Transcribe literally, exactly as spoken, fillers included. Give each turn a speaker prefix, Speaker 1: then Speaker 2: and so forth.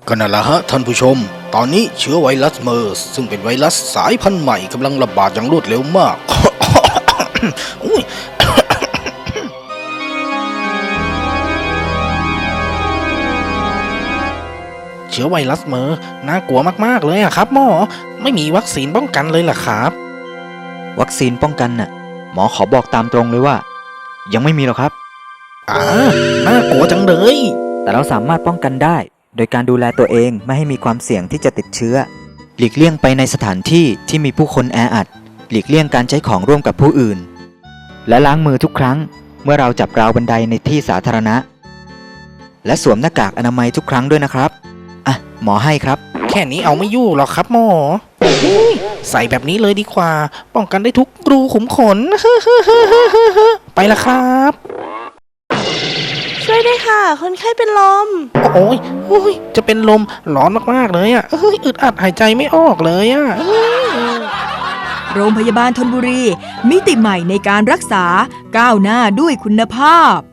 Speaker 1: ก็นั่นแหละฮะท่านผู้ชมตอนนี้เชื้อไวรัสเมอร์สซึ่งเป็นไวรัสสายพันธุ์ใหม่กำลังระบาดอย่างรวดเร็วมาก อุ๊ย เชื้อไวรัสเมอร์น่ากลัวมากๆเลยอะครับหมอไม่มีวัคซีนป้องกันเลยเหรอครับ
Speaker 2: วัคซีนป้องกันน่ะหมอขอบอกตามตรงเลยว่า ยังไม่มีหรอกครับ
Speaker 1: อ่าน่ากลัวจังเลย
Speaker 2: แต่เราสามารถป้องกันได้ โดยการดูแลตัวเองไม่ให้มีความเสี่ยงที่จะติดเชื้อ หลีกเลี่ยงไปในสถานที่ที่มีผู้คนแออัด หลีกเลี่ยงการใช้ของร่วมกับผู้อื่น และล้างมือทุกครั้งเมื่อเราจับราวบันไดในที่สาธารณะ และสวมหน้ากากอนามัยทุกครั้งด้วยนะครับอ่ะหมอให้ครับ
Speaker 1: แค่นี้เอาไม่อยู่หรอกครับหมออุ๊ยใส่แบบนี้เลยดีกว่า ป้องกันได้ทุกรูขุมขน ไปละครับ
Speaker 3: ช่วยด้วยค่ะ คนไข้เป็นลม
Speaker 1: โอ้ยโอ้ยจะเป็นลมร้อนมากๆเลยอ่ะเอ้ยอึดอัดหายใจไม่ออกเลยอ่ะ
Speaker 4: โรงพยาบาลธนบุรีมิติใหม่ในการรักษาก้าวหน้าด้วยคุณภาพ